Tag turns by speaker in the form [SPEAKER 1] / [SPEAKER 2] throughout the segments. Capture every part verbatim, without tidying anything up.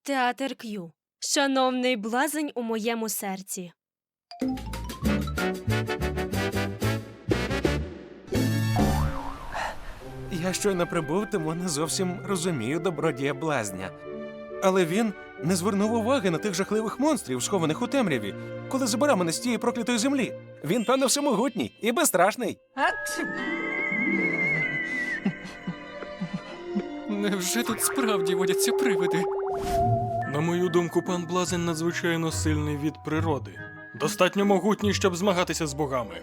[SPEAKER 1] театр К'ю. Шановний блазень у моєму серці.
[SPEAKER 2] Я щойно прибув, тому не зовсім розумію добродія блазня. Але він не звернув уваги на тих жахливих монстрів, схованих у темряві, коли забирав мене з тієї проклятої землі. Він, певно, всемогутній і безстрашний.
[SPEAKER 3] Невже тут справді водяться привиди? На мою думку, пан Блазень надзвичайно сильний від природи. Достатньо могутній, щоб змагатися з богами.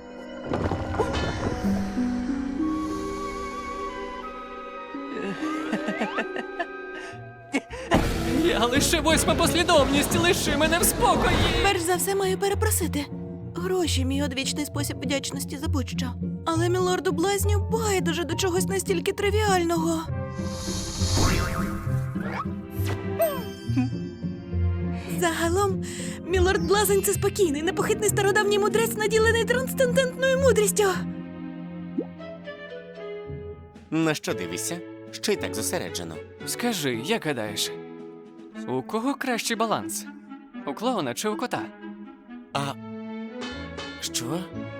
[SPEAKER 3] Я лише восьма послідовність, лиши мене в спокої!
[SPEAKER 4] Перш за все маю перепросити. Гроші – мій одвічний спосіб вдячності за будь-що. Але мілорду Блазню байдуже до чогось настільки тривіального. Загалом, мілорд Блазень – це спокійний, непохитний стародавній мудрець, наділений трансцендентною мудрістю.
[SPEAKER 5] На що дивишся? Що й так зосереджено?
[SPEAKER 6] Скажи, як гадаєш, у кого кращий баланс? У клоуна чи у кота?
[SPEAKER 5] А що?